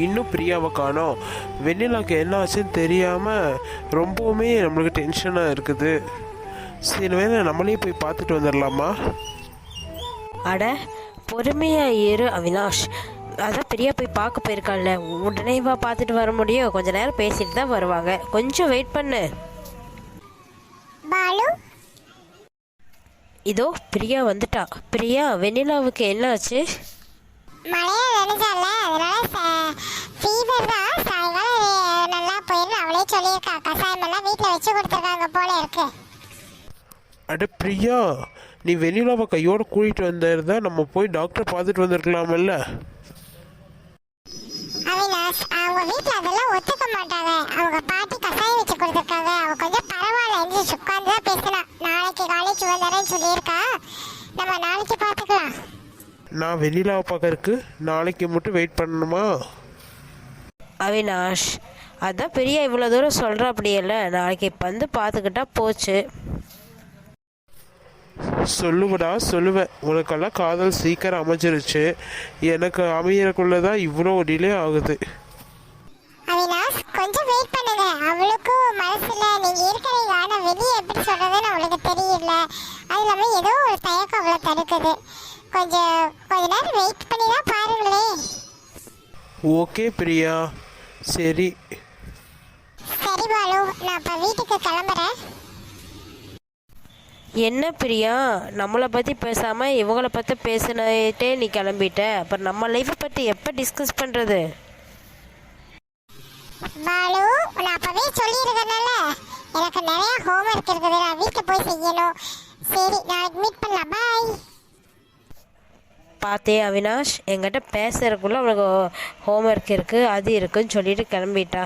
இன்னும் பிரியாவை காணோம். வெண்ணிலாவுக்கு என்ன ஆச்சுன்னு தெரியாமல் ரொம்பவுமே நம்மளுக்கு டென்ஷனாக இருக்குது. சில வேளை நம்மளே போய் பார்த்துட்டு வந்துடலாமா? அட பொறுமையா இரு அவினாஷ். அதான் பிரியா போய் பார்க்க போயிருக்காள்ல, உடனே வா பார்த்துட்டு வர முடியும். கொஞ்ச நேரம் பேசிட்டு தான் வருவாங்க, கொஞ்சம் வெயிட் பண்ணு. பாலு இதோ பிரியா வந்துட்டா. பிரியா, வெண்ணிலாவுக்கு என்ன ஆச்சு? மழையா நினைச்சால அதனால ஃபீவர் தான். சாயங்காலம் நல்லா போயிருந்து அவளே சொல்லியிருக்கா. கசாயம் எல்லாம் வீட்டில் வச்சு கொடுத்துருக்காங்க போல இருக்கு. அட பிரியா, நீ வெண்ணிலாவை கையோடு கூட்டிகிட்டு வந்திருந்தா நம்ம போய் டாக்டரை பார்த்துட்டு வந்திருக்கலாமல்ல. அவினாஷ், அவங்க வீட்டில் அதெல்லாம் ஒத்துக்க மாட்டாங்க. அவங்க பாட்டி கசாயம் வச்சு கொடுத்துருக்காங்க. அவ கொஞ்சம் பரவாயில்ல, எந்திரிச்சு உட்காந்து தான் பேசினா. நாளைக்கு காலேஜ் வந்துடுறேன்னு சொல்லியிருக்கா. நம்ம நாளைக்கு பார்த்துக்கலாம். நான் வெண்ணிலாவை பார்க்கறதுக்கு நாளைக்கு மட்டும் வெயிட் பண்ணணுமா? அவினாஷ், அதான் பிரியா இவ்வளோ தூரம் சொல்கிற அப்படியல்ல, நாளைக்கு இப்போ வந்து பார்த்துக்கிட்டா போச்சு. சொல்லுவடா சொல்லுவேன். உனக்கெல்லாம் காதல் சீக்கிரம் அமைஞ்சிருச்சு, எனக்கு அமையறக்குள்ளதான் இவ்வளோ டிலே ஆகுது. அவினாஷ், கொஞ்சம் வெயிட் பண்ணுங்க. அவளுக்கும் மனசுல நீங்க இருக்கிறீங்க, ஆனா வெளியே எப்படி சொல்றதுன்னு அவளுக்கு தெரியல. அது இல்லாம ஏதோ ஒரு தயக்கம் அவளை தடுக்குது. கொஞ்ச நேரம் வெயிட் பண்ணி தான் பாருங்களேன். ஓகே பிரியா, சரி. சரி பாலு, நான் இப்ப வீட்டுக்கு கிளம்புறேன். என்ன பிரியா, நம்மளை பற்றி பேசாமல் இவங்கள பற்றி பேசினே நீ கிளம்பிட்ட. அப்புறம் நம்ம லைஃப்பை பற்றி எப்போ டிஸ்கஸ் பண்ணுறது? பாலு, நான் அப்பவே சொல்லியிருக்கேன்ல, எனக்கு நிறைய ஹோம்ஒர்க் இருக்குது, நான் வீட்டில் போய் செய்யணும். சரி, நாளைக்கு மீட் பண்ணலாம். பாய். பார்த்தே அவினாஷ், என்கிட்ட பேசுறதுக்குள்ளே அவனுக்கு ஹோம்ஒர்க் இருக்குது அது இருக்குன்னு சொல்லிட்டு கிளம்பிட்டா.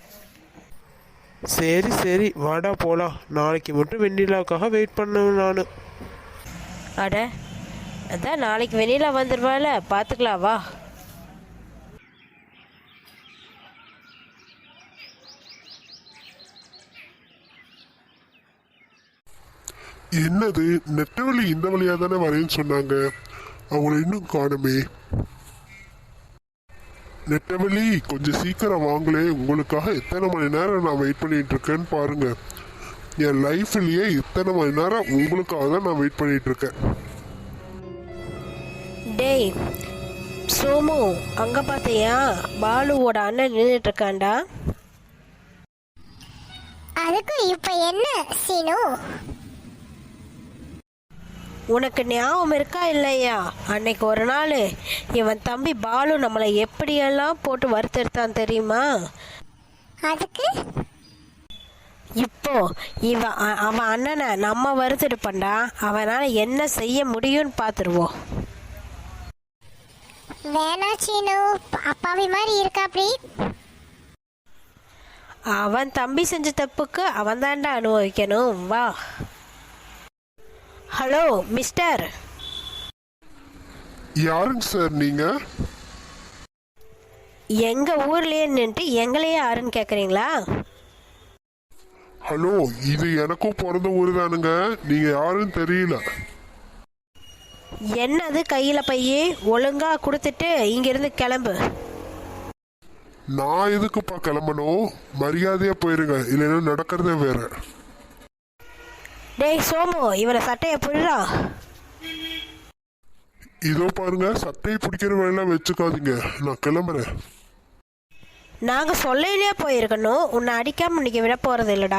சரி சரி, வாடா போகலாம். நாளைக்கு மட்டும் வெண்ணிலாவுக்காக வெயிட் பண்ணுவேன் நான். அட அதான் நாளைக்கு வெண்ணிலா வந்துடுவாள், பார்த்துக்கலாம் வா. என்னது, நெட்டவழி இந்த வழியா தானே வரேன்னு சொன்னாங்க, அவங்கள இன்னும் காணுமே. நெட்டவழி, கொஞ்சம் சீக்கிரம் வாங்களே. உங்களுக்காக எத்தனை மணி நேரம் நான் வெயிட் பண்ணிட்டு இருக்கேன்னு பாருங்க. என் லைஃப்லயே இத்தனை மணி நேரம் உங்களுக்காக தான் நான் வெயிட் பண்ணிட்டு இருக்கேன். டேய் சோமு, அங்கே பார்த்தியா பாலுவோட அண்ணன் நின்றுட்டு இருக்காண்டா. அதுக்கு இப்போ என்ன சீனு? உனக்கு ஞாபகம் இருக்கா இல்லையா, அன்னைக்கு ஒரு நாள் இவன் தம்பி பாலு நம்மளை எப்படியெல்லாம் போட்டு வறுத்தெடுத்தான் தெரியுமா? அதுக்கு இப்போ அவன் அண்ணனை நம்ம வறுத்தெடுப்பான்டா. அவனால் என்ன செய்ய முடியும்னு பார்த்துருவோம். வேணா சீனு, அப்பாவி மாதிரி இருக்கா. அப்படி அவன் தம்பி செஞ்ச தப்புக்கு அவன் தாண்டா அனுபவிக்கணும். வா. Hello mister. யாருங்க சார் நீங்க? எங்க ஊர்லயே நின்றுட்டு எங்களையே யாருன்னு கேக்குறீங்களா? ஹலோ, இது எனக்கும் பிறந்த ஊர் தானுங்க. நீங்க யாருன்னு தெரியல. என்னது கையில பையே, ஒழுங்கா கொடுத்துட்டு இங்க இருந்து கிளம்பு. நான் எதுக்குப்பா கிளம்பணும்? மரியாதையா போயிருங்க, இல்லைன்னா நடக்கிறதே வேற. டேய் சோமு, இவனை சட்டையை புடுறா. இதோ பாருங்க, சட்டையை பிடிக்கிற வேலையெல்லாம் வச்சுக்காதீங்க. நான் கிளம்புறேன். நாங்க சொல்லையிலே போயிருக்கணும், உன்னை அடிக்காம இன்னைக்கு விட போறது இல்லடா.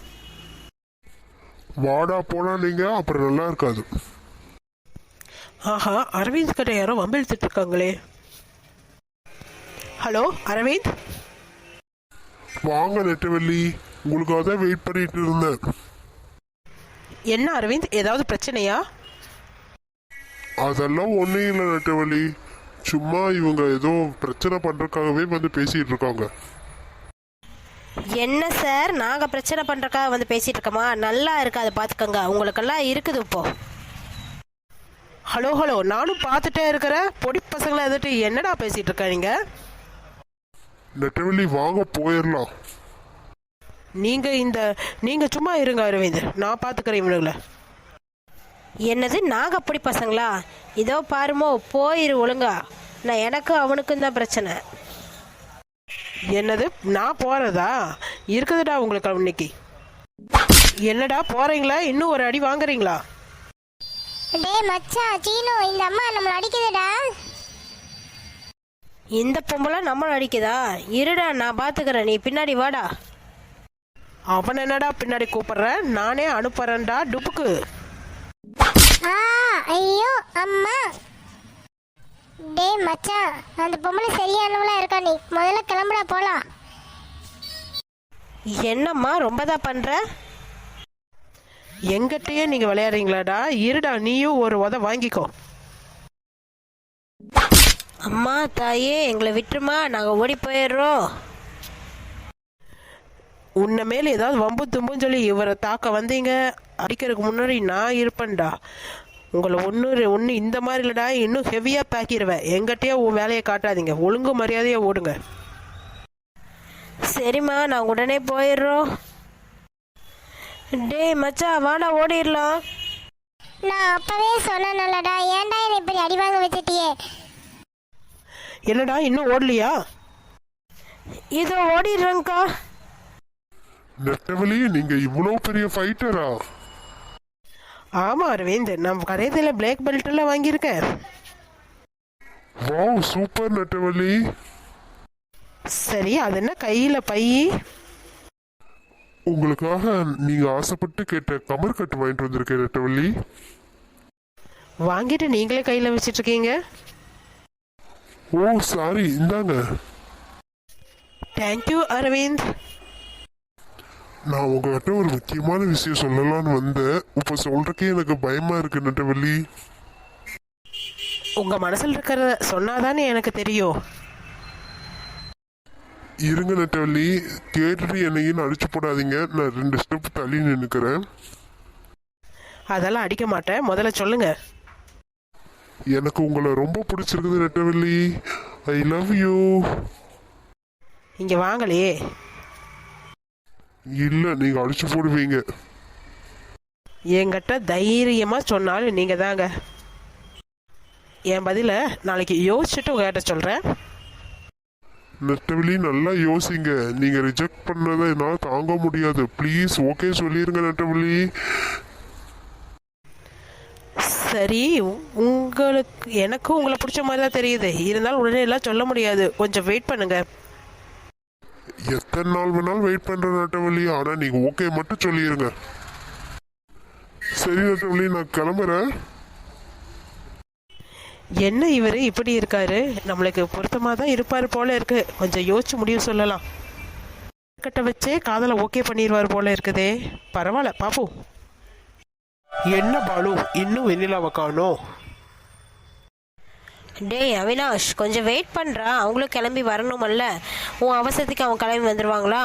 வாடா போனா நீங்க, அப்புறம் நல்லா இருக்காது. ஆஹா, அரவிந்த் கிட்ட யாரோ வம்பிழுத்துட்டு இருக்காங்களே. ஹலோ அரவிந்த். வாங்க நெட்டவள்ளி, உங்களுக்காக தான் வெயிட் பண்ணிட்டு இருந்தேன். என்ன அரவிந்த், ஏதாவது பிரச்சனையா? அதெல்லாம் ஒன்றும் இல்லை நெட்டவள்ளி, சும்மா இவங்க ஏதோ பிரச்சனை பண்றதுக்காகவே வந்து பேசிட்டு இருக்காங்க. என்ன சார், நாங்க பிரச்சனை பண்றதுக்காக வந்து பேசிட்டு இருக்கோமா? நல்லா இருக்காது பாத்துக்கோங்க, உங்களுக்கெல்லாம் இருக்குது இப்போ. ஹலோ ஹலோ, நானும் பார்த்துட்டே இருக்கிறேன். பொடி பசங்களை எதிர்த்து என்னடா பேசிட்டு இருக்க நீங்க? நெட்டவள்ளி வாங்க போயிடலாம். நீங்க சும்மா இருங்க அரவிந்த், நான் பாத்துக்கிறேன் இவனுங்களை. என்னது நாங்க அப்படி பசங்களா? இதோ பாருமோ, போயிரு ஒழுங்கா. நான் எனக்கு அவனுக்கும் தான் பிரச்சனை. என்னது நான் போகிறதா இருக்குதுடா உங்களுக்கு இன்னைக்கு. என்னடா போகிறீங்களா இன்னும் ஒரு அடி வாங்குறீங்களா? டேய் மச்சான் சீனு, இந்த அம்மா நம்மள அடிக்குதுடா. இந்த பொம்பளை நம்மளை அடிக்குதா? இருடா நான் பார்த்துக்கிறேன், நீ பின்னாடி வாடா. அவன் என்னடா பின்னாடி கூப்பிடுறேன், நானே அனுப்புறேன்டா டுப்புக்கு. ஆ ஐயோ அம்மா. டேய் மச்சான், அந்த பொம்பளை சரியானவளா இருக்கா? நீ முதல்ல கிளம்புடா போலாம். என்னம்மா ரொம்ப தான் பண்ணுற? எங்கிட்டயே நீங்கள் விளையாடுறீங்களாடா? இருடா நீயும் ஒரு உத வாங்கிக்கோ. அம்மா தாயே எங்களை விட்டுருமா, நாங்கள் ஓடி போயிடுறோம். உன்னை மேலே ஏதாவது வம்பு தும்புன்னு சொல்லி இவரை தாக்க வந்தீங்க, அடிக்கிறதுக்கு முன்னாடி நான் இருப்பேன்டா. உங்களை ஒன்று இந்த மாதிரி இல்லைடா, இன்னும் ஹெவியாக தாக்கிடுவேன். எங்கிட்டயே உன் வேலையை காட்டாதீங்க, ஒழுங்கு மரியாதையாக ஓடுங்க. சரிம்மா நான் உடனே போயிடுறோம். டேய் மச்சான் வாடா ஓடிடலாம். நான் அப்பவே சொன்னேன்லடா, ஏன்டா என்னை இப்படி அடி வாங்க வச்சிட்டியே? என்னடா இன்னும் ஓடலையா? இதோ ஓடிடுறேங்க்கா. நெட்டவழி, நீங்க இவ்வளவு பெரிய ஃபைட்டரா? ஆமாம் அரவிந்த், நம்ம கரையத்தில் பிளாக் பெல்ட் எல்லாம் வாங்கியிருக்கேன். வாவ் சூப்பர் நெட்டவழி. சரி அது என்ன கையில் பை? உங்களுக்காக நீங்க ஆசைப்பட்டு கேட்ட கமர் கட்டு வாங்கிட்டு வந்திருக்கேன் நெட்டவழி. வாங்கிட்டு நீங்களே கையில் வச்சிட்டு இருக்கீங்க. ஓ சாரி, இந்தாங்க. தேங்க்யூ அரவிந்த். நான் உங்ககிட்ட ஒரு முக்கியமான விஷயம் சொல்லலாம்னு வந்தேன். இப்ப சொல்றதுக்கே எனக்கு பயமா இருக்கு நெட்டவழி. உங்கள் மனசில் இருக்கிறத சொன்னாதானே எனக்கு தெரியும். இருங்க நெட்டவழி, கேட்டுட்டு என்னையும் அடிச்சு போடாதீங்க. நான் 2 ஸ்டெப் தள்ளி நின்னுக்கிறேன். அதெல்லாம் அடிக்க மாட்டேன், முதல்ல சொல்லுங்க. எனக்கு உங்களை ரொம்ப பிடிச்சிருக்குது நெட்டவழி. I love you. இங்கே வாங்கலையே. இல்ல, நீங்க அடிச்சு போடுவீங்க. என்கிட்ட தைரியமாக சொன்னாலும் நீங்கள் தாங்க. என் பதிலை நாளைக்கு யோசிச்சுட்டு உங்ககிட்ட சொல்கிறேன். நெட்டவழி நல்லா யோசிங்க. நீங்க ரிஜெக்ட் பண்ணதை என்னால் தாங்க முடியாது. ப்ளீஸ் ஓகே சொல்லிருங்க நெட்டவழி. சரி, எனக்கும் உங்களை பிடிச்ச மாதிரி தான் தெரியுது. இருந்தாலும் உடனே எல்லாம் சொல்ல முடியாது, கொஞ்சம் வெயிட் பண்ணுங்க. எத்தனை நாள் வேணாலும் வெயிட் பண்ற நெட்டவழி, ஆனா நீங்க ஓகே மட்டும் சொல்லிருங்க. சரி நெட்டவழி, நான் கிளம்புறேன். என்ன இவர் இப்படி இருக்காரு? நம்மளுக்கு பொருத்தமாக தான் இருப்பார் போல இருக்கு. கொஞ்சம் யோசிச்சு முடிவு சொல்லலாம். கட்ட வச்சே காதலை ஓகே பண்ணிடுவார் போல இருக்குதே. பரவாயில்ல பாப்போம். என்ன பாலு இன்னும் வெண்ணிலாவை காணோம்? டேய் அவினாஷ் கொஞ்சம் வெயிட் பண்ணுறா, அவங்களும் கிளம்பி வரணுமல்ல. உன் அவசரத்துக்கு அவங்க கிளம்பி வந்துடுவாங்களா?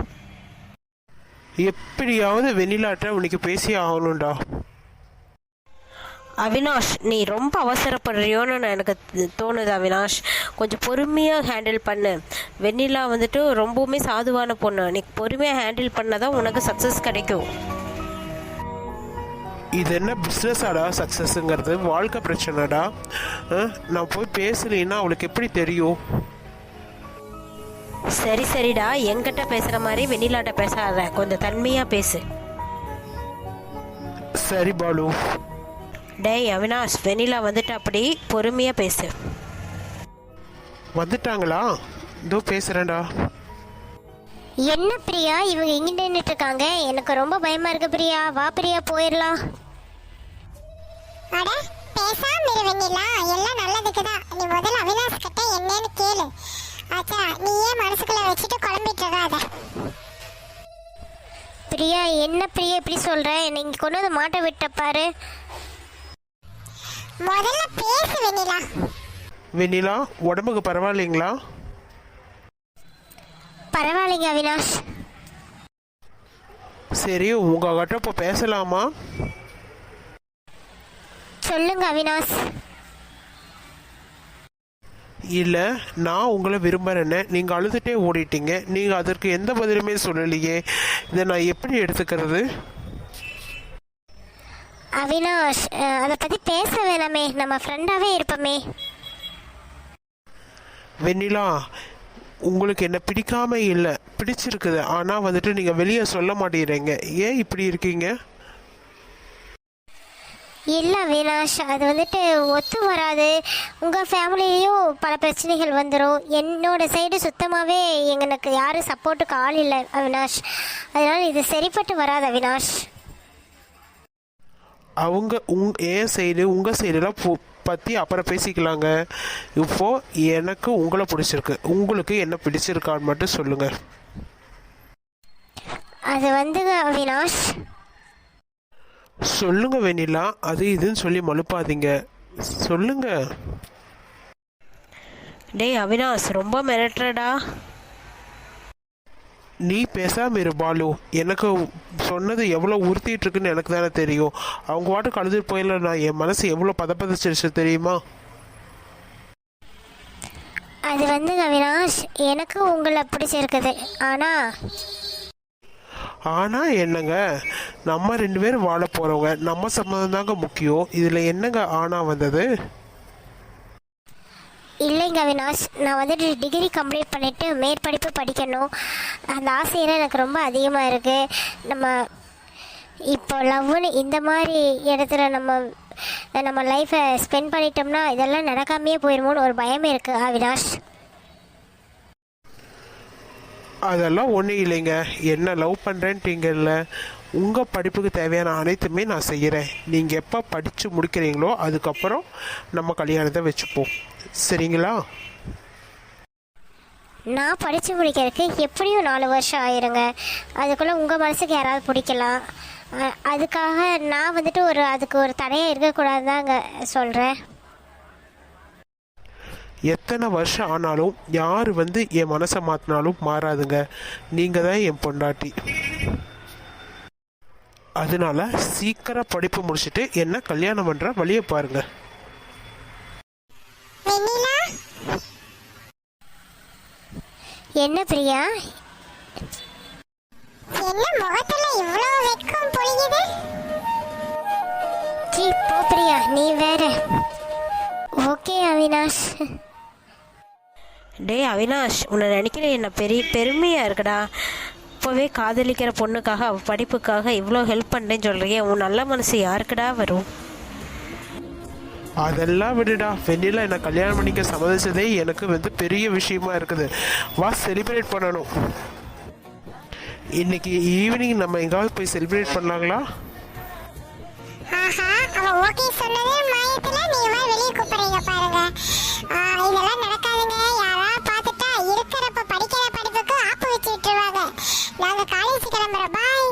எப்படியாவது வெண்ணிலாட்ட உனக்கு பேசி ஆகணும்டா. அவினாஷ் நீ ரொம்ப அவசரப்படுறியோன்னு எனக்கு தோணுது. அவினாஷ் கொஞ்சம் பொறுமையாக ஹேண்டில் பண்ணு. வெண்ணிலா வந்துட்டு ரொம்பவுமே சாதுவான பொண்ணு. நீ பொறுமையாக ஹேண்டில் பண்ணாதான் உனக்கு சக்ஸஸ் கிடைக்கும். இது என்ன பிஸ்னஸாடா சக்ஸஸ்ங்கிறது? வாழ்க்கை பிரச்சனைடா. நான் போய் பேசலைன்னா அவளுக்கு எப்படி தெரியும்? சரி சரிடா, என்கிட்ட பேசுகிற மாதிரி வெண்ணிலாட்ட பேசாத, கொஞ்சம் தன்மையாக பேசு. சரி பாலு. டேய் அவினாஷ், வெண்ணிலா வந்துட்டு அப்படி பொறுமையாக பேசு. வந்துட்டாங்களா? இதோ பேசுகிறேன்டா. என்ன பிரியா, இவங்க இங்கிட்டு நின்றுட்டு இருக்காங்க. எனக்கு ரொம்ப பயமா இருக்கு பிரியா. வா பிரியா போயிடலாம். அட பேசாம இரு வெண்ணிலா, எல்லாம் நல்லதுக்கு தான். நீ முதல்ல அவினாஷ் கிட்ட என்னன்னு கேளு. ஆச்சா, நீ ஏன் மனசுக்குள்ள வச்சுட்டு குழம்பிட்டு இருக்காத. பிரியா என்ன பிரியா இப்படி சொல்ற? என்னை இங்க கொண்டு வந்து மாட்ட விட்ட பாரு. முதல்ல பேசு வெண்ணிலா. வெண்ணிலா உடம்புக்கு பரவாயில்லைங்களா? பரவாயில்லைங்க அவினாஷ். சரி உங்ககிட்ட இப்போ பேசலாமா? சொல்லுங்க அவினாஷ். இல்லை, நான் உங்களை விரும்புகிறேன்னு நீங்கள் அழுதுகிட்டே ஓடிட்டீங்க. நீங்கள் அதற்கு எந்த பதிலுமே சொல்லலையே. இதை நான் எப்படி எடுத்துக்கிறது? அவினாஷ் அதை பற்றி பேச வேணாமே, நம்ம ஃப்ரெண்டாகவே இருப்போமே. வெண்ணிலா உங்களுக்கு என்ன பிடிக்காம இல்லை, பிடிச்சிருக்குது. ஆனால் வந்துட்டு நீங்கள் வெளியே சொல்ல மாட்டேங்கிறீங்க. ஏன் இப்படி இருக்கீங்க? இல்லை அவினாஷ், அது வந்துட்டு ஒத்து வராது. உங்கள் ஃபேமிலியும் பல பிரச்சனைகள் வந்துடும். என்னோட சைடு சுத்தமாகவே எங்களுக்கு யாரும் சப்போர்ட்டுக்கு ஆள் இல்லை அவினாஷ். அதனால் இது சரிப்பட்டு வராது அவினாஷ். அவங்க என் சைடு உங்கள் சைடெல்லாம் பற்றி அப்புறம் பேசிக்கலாங்க. இப்போது எனக்கு உங்களை பிடிச்சிருக்கு. உங்களுக்கு என்ன பிடிச்சிருக்கான்னு மட்டும் சொல்லுங்கள். அது வந்துங்க அவினாஷ். சொல்லுங்க வெண்ணிலா, அது இதுன்னு சொல்லி மழுப்பாதீங்க, சொல்லுங்க. டேய் அவினாஷ், ரொம்ப மிரட்டுறடா. நீ பேசாம இரு பாலு. எனக்கு சொன்னது எவ்வளோ உறுத்திட்டு இருக்குன்னு எனக்கு தானே தெரியும். அவங்க வாட்டுக்கு அழுதுட்டு போயிடல, நான் என் மனசு எவ்வளோ பதப்பதச்சிருச்சு தெரியுமா? அது வந்து அவினாஷ், எனக்கு உங்களை பிடிச்சிருக்குது. ஆனால் என்னங்க, நம்ம 2 பேரும் வாழ போகிறவங்க, நம்ம சம்மந்தம் தாங்க முக்கியம். இதில் என்னங்க ஆனா வந்தது? இல்லைங்க அவினாஷ், நான் வந்துட்டு டிகிரி கம்ப்ளீட் பண்ணிவிட்டு மேற்படிப்பு படிக்கணும். அந்த ஆசையெல்லாம் எனக்கு ரொம்ப அதிகமாக இருக்குது. நம்ம இப்போ லவ்னு இந்த மாதிரி இடத்துல நம்ம லைஃப்பை ஸ்பெண்ட் பண்ணிட்டோம்னா இதெல்லாம் நடக்காமையே போயிடுமோன்னு ஒரு பயம் இருக்குது அவினாஷ். அதெல்லாம் ஒன்றும் இல்லைங்க. என்ன லவ் பண்ணுறேன்ட்டீங்கல்ல, உங்கள் படிப்புக்கு தேவையான அனைத்துமே நான் செய்கிறேன். நீங்கள் எப்போ படித்து முடிக்கிறீங்களோ அதுக்கப்புறம் நம்ம கல்யாணத்தை வச்சுப்போம், சரிங்களா? நான் படித்து முடிக்கிறதுக்கு எப்படியும் 4 வருஷம் ஆயிருங்க. அதுக்குள்ளே உங்கள் மனசுக்கு யாராவது பிடிக்கலாம். அதுக்காக நான் வந்துட்டு அதுக்கு ஒரு தடையாக இருக்கக்கூடாதுதாங்க சொல்கிறேன். எத்தனை வருஷம் ஆனாலும் யார் என் மனசை மாற்றினாலும் மாறாதுங்க. நீங்கள் தான் என் பொண்டாட்டி. அதனால சீக்கிரம் படிப்பு முடிச்சுட்டு என்ன கல்யாணம் பண்ணுற வழியை பாருங்க. என்ன பிரியா, என்ன முகத்துல இவ்ளோ வெட்கம் பொழியுது? போ பிரியா, நீ வேற. ஓகே அவினாஷ். டேய் அவினாஷ், உன்னை நினைக்கிற என்ன பெருமையாக இருக்குடா. இப்போவே காதலிக்கிற பொண்ணுக்காக அவள் படிப்புக்காக இவ்வளோ ஹெல்ப் பண்ணுறேன்னு சொல்கிறியே, உன் நல்ல மனசு யாருக்குடா வரும்? அதெல்லாம் விடுடா. வெண்ணிலா என்னை கல்யாணம் பண்ணிக்க சம்மதிச்சதே எனக்கு பெரிய விஷயமா இருக்குது. வா செலிப்ரேட் பண்ணணும். இன்னைக்கு ஈவினிங் நம்ம எங்காவது போய் செலிப்ரேட் பண்ணலாங்களா? ஆஹா, அவ ஓகே சொன்னதே மாயத்துல நீங்க வெளிய கூப்பிடுறீங்க பாருங்க. இதெல்லாம் நடக்காதுங்க. யாரா பார்த்துட்டா இருக்கிறப்ப படிக்கிற படிப்புக்கு ஆப்பு வச்சு விட்டுருவாங்க. நாங்க காலேஜ் கிளம்புறோம். பாய்.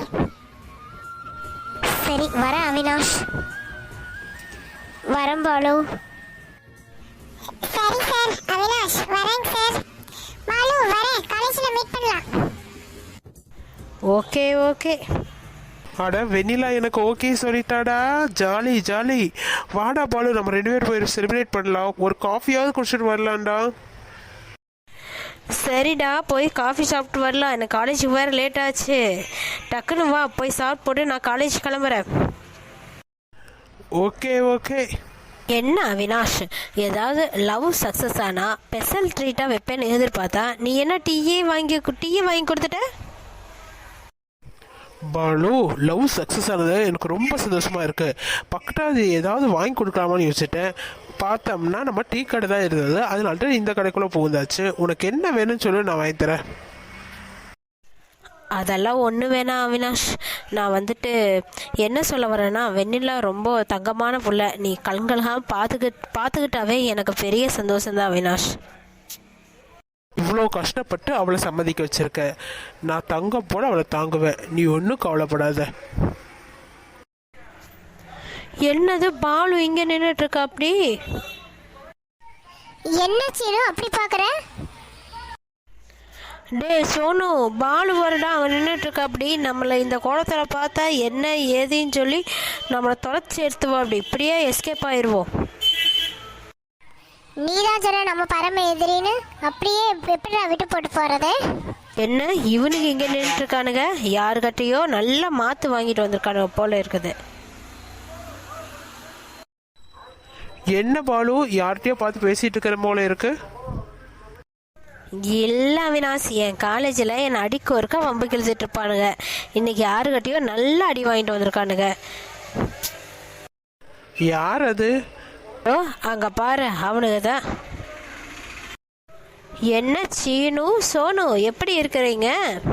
சரி வர அவினாஷ். வரேன் பாலு. சரி சார். அவினாஷ் வரேங்க சார். பாலு வரேன், காலேஜ்ல மீட் பண்ணலாம். Okay okay. அட வெண்ணிலா எனக்கு ஓகே சொல்லிட்டாடா. Jolly jolly. வாடா பாலு, நம்ம 2 பேரும் போய் செலிப்ரேட் பண்ணலாம். ஒரு காஃபியாவது குடிச்சிட்டு வரலாம்டா. சரிடா, போய் காஃபி சாப்பிட்டு வரலாம். எனக்கு காலேஜுக்கு வேறு லேட் ஆச்சு. டக்குன்னு வா, போய் சாப்பிட்டு போட்டு நான் காலேஜ் கிளம்புறேன். Okay okay. என்ன அவினாஷ், ஏதாவது லவ் சக்ஸஸ் ஆனால் ஸ்பெஷல் ட்ரீட்டாக வைப்பேன்னு எதிர்பார்த்தா நீ என்ன டீயே வாங்கி கொடுத்துட்ட? பாலு, லவ் சக்ஸஸ் ஆனது எனக்கு ரொம்ப சந்தோஷமா இருக்கு. பக்கத்தாது ஏதாவது வாங்கி கொடுக்கலாமான்னு யோசிச்சுட்டேன். பார்த்தோம்னா நம்ம டீ கடை தான் இருந்தது. அதனால இந்த கடைக்குள்ளே புகுந்தாச்சு. உனக்கு என்ன வேணும்னு சொல்லி நான் வாங்கி தரேன். அதெல்லாம் ஒன்று வேணாம் அவினாஷ். நான் என்ன சொல்ல வரேன்னா, வெண்ணிலா ரொம்ப தங்கமான புள்ள. நீ கண்களாக பார்த்துக்கிட்டாவே எனக்கு பெரிய சந்தோஷம்தான் அவினாஷ். இவ்வளோ கஷ்டப்பட்டு அவளை சம்மதிக்க வச்சிருக்க. நான் தங்கம் போல அவளை தாங்குவேன். நீ ஒன்றும் கவலைப்படாத. என்னது பாலு இங்கே நின்றுட்டு இருக்கா? அப்படி என்ன சீனு அப்படி பார்க்குற? டே சோனு, பாலு வருடா அங்கே நின்றுட்டு இருக்கா. அப்படி நம்மளை இந்த கோலத்தில் பார்த்தா என்ன ஏதுன்னு சொல்லி நம்மளை தொலைச்சி எடுத்துவோம். அப்படி இப்படியே எஸ்கேப் ஆயிடுவோம். நீதான் சொன்ன நம்ம பரம எதிரின்னு. அப்படியே எப்படி விட்டு போட்டு போறது? என்ன இவனுக்கு இங்கே நின்றுட்டு இருக்கானுங்க? யாருக்கிட்டையோ நல்லா மாற்று வாங்கிட்டு வந்திருக்கானுங்க போல இருக்குது. என்ன பாலு, யார்கிட்டயோ பார்த்து பேசிட்டு இருக்கிற போல இருக்கு. இல்லை அவினாஷ், என் காலேஜில் என்னை அடிக்க ஒருக்கா வம்பு கிழிச்சிட்டு இருப்பானுங்க. இன்னைக்கு யாருக்கிட்டையோ நல்லா அடி வாங்கிட்டு வந்திருக்கானுங்க. யார் அது? ஓ, அங்கே பாரு, அவனுங்க தான். என்ன சீனு, சோனு, எப்படி இருக்கிறீங்க?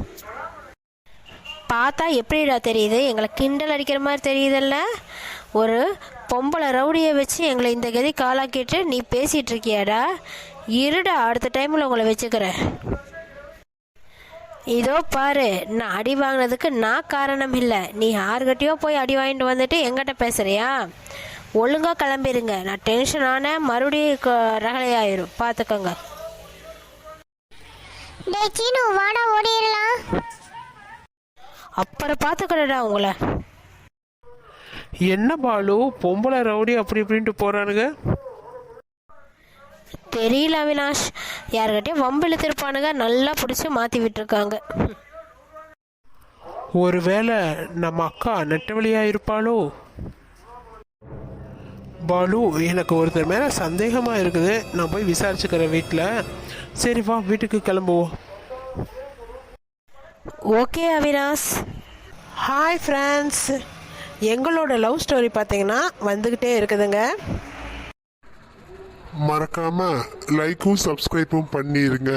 பார்த்தா எப்படிடா தெரியுது? எங்களை கிண்டல் அடிக்கிற மாதிரி தெரியுதல்ல? ஒரு பொம்பளை ரவுடியை வச்சு எங்களை இந்த கதி காலாக்கிட்டு நீ பேசிகிட்டு இருக்கியாடா? இருடா, அடுத்த டைமில் உங்களை வச்சுக்கிறேன். இதோ பாரு, நான் அடி வாங்கினதுக்கு நான் காரணம் இல்லை. நீ யாருக்கிட்டையோ போய் அடி வாங்கிட்டு வந்துட்டு எங்கிட்ட பேசுறியா? ஒழுங்காக கிளம்பிடுங்க. நான் டென்ஷன் ஆனேன், மறுபடியும் ரகலையாயிரும், பார்த்துக்கோங்க. டேய் சீனு, வாடா ஓடிடலாம். அப்புறம் பார்த்துக்கடா உங்களை. என்ன பாலு, பொம்பளை ரவுடி அப்படி இப்படின்ட்டு போறானுங்க? தெரியல அவினாஷ், யாருக்கிட்டையும் வம்பு இழுத்திருப்பானுங்க, நல்லா பிடிச்சி மாற்றி விட்டுருக்காங்க. ஒருவேளை நம்ம அக்கா நெட்டவழியா இருப்பாளோ? பாலு, எனக்கு ஒருத்தர் மேலே சந்தேகமாக இருக்குது. நான் போய் விசாரிச்சுக்கிறேன் வீட்டில். சரி வா, வீட்டுக்கு கிளம்புவோம். ஓகே அவினாஷ். ஹாய் ஃப்ரெண்ட்ஸ், எங்களோட லவ் ஸ்டோரி பார்த்தீங்கன்னா வந்துக்கிட்டே இருக்குதுங்க. மறக்காம லைக்கும் சப்ஸ்கிரைபும் பண்ணிருங்க.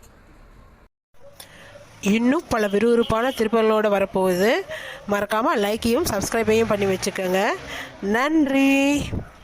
இன்னும் பல விறுவிறுப்பான திருப்பங்களோடு வரப்போகுது. மறக்காமல் லைக்கையும் சப்ஸ்கிரைபையும் பண்ணி வச்சுக்கோங்க. நன்றி.